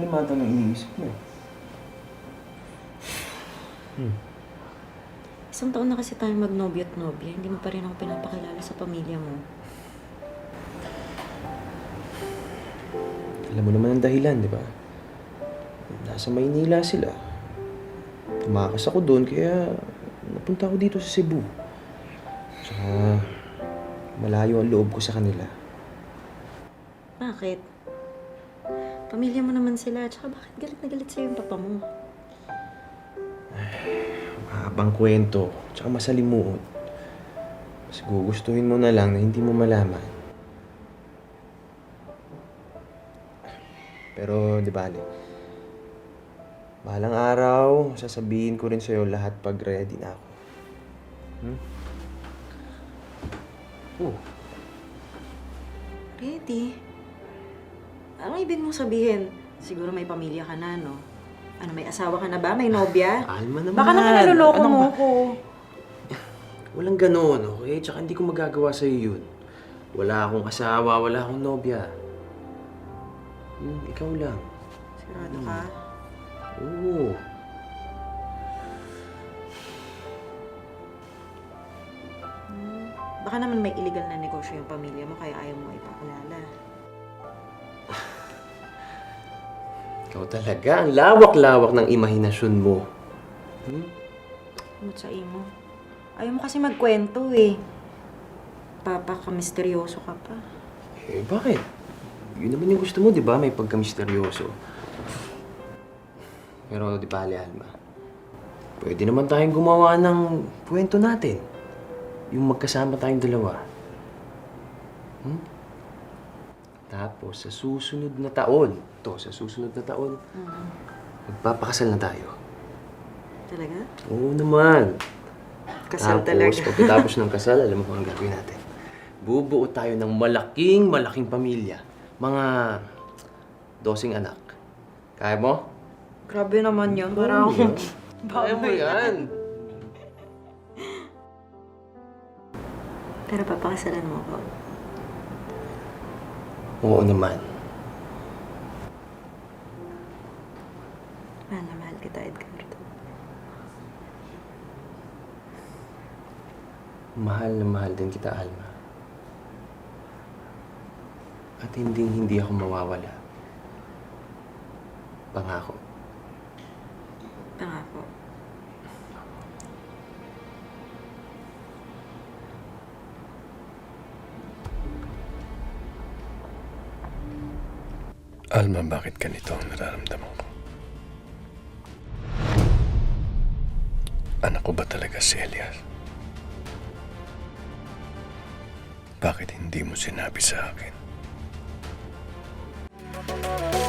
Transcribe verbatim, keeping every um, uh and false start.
kalimatan ng iniisip mo. Hmm. Isang taon na kasi tayong magnobyo at nobya. Hindi mo pa rin ako pinapakilala sa pamilya mo. Alam mo naman ang dahilan, di ba? Nasa Maynila sila. Tumakas ako doon, kaya napunta ako dito sa Cebu. Tsaka malayo ang loob ko sa kanila. Bakit? Pamilya mo naman sila. Tsaka bakit galit na galit sa'yo yung papa mo? Mahabang kwento, tsaka masalimuot. Mas gugustuhin mo na lang na hindi mo malaman. Pero, di bale, balang araw, sasabihin ko rin sa'yo lahat pag ready na ako. Hmm? Oh, Ready? Ano ibig mong sabihin? Siguro may pamilya ka na, no? Ano, may asawa ka na ba? May nobya? Alma naman. Baka naman naluloko Ano mo ba? ko. Walang gano'n, okay? Tsaka hindi ko magagawa sa'yo yun. Wala akong asawa, wala akong nobya. Hmm, ikaw lang. Sigurado ka? Oo. Hmm. Baka naman may illegal na negosyo yung pamilya mo kaya ayaw mo ipakilala. Ikaw talaga, ang lawak-lawak ng imahinasyon mo. Hmm? Mutsain mo. Ayaw mo kasi magkwento eh. Papaka-misteryoso ka pa. Eh, bakit? Yun naman yung gusto mo, di ba? May pagka-misteryoso. Pero, di ba, Alma? Pwede naman tayong gumawa ng kwento natin. Yung magkasama tayong dalawa. Hmm? Tapos, sa susunod na taon, to, sa susunod na taon, Mm. magpapakasal na tayo. Talaga? Oo naman. Kasal Tapos, talaga. pagkatapos ng kasal, alam mo kung ang gagawin natin. Bubuo tayo ng malaking, malaking pamilya. Mga dosing anak. Kaya mo? Grabe naman yun. Oo, Parang yan. Kaya mo yan. Pero papakasalan mo ako. Oo naman. Mahal na mahal kita, Edgardo. Mahal na mahal din kita, Alma. At hindi hindi ako mawawala. Pangako. Pangako. Alma, bakit ganito ang nararamdaman ko? Anak ko ba talaga si Elias? Bakit hindi mo sinabi sa akin?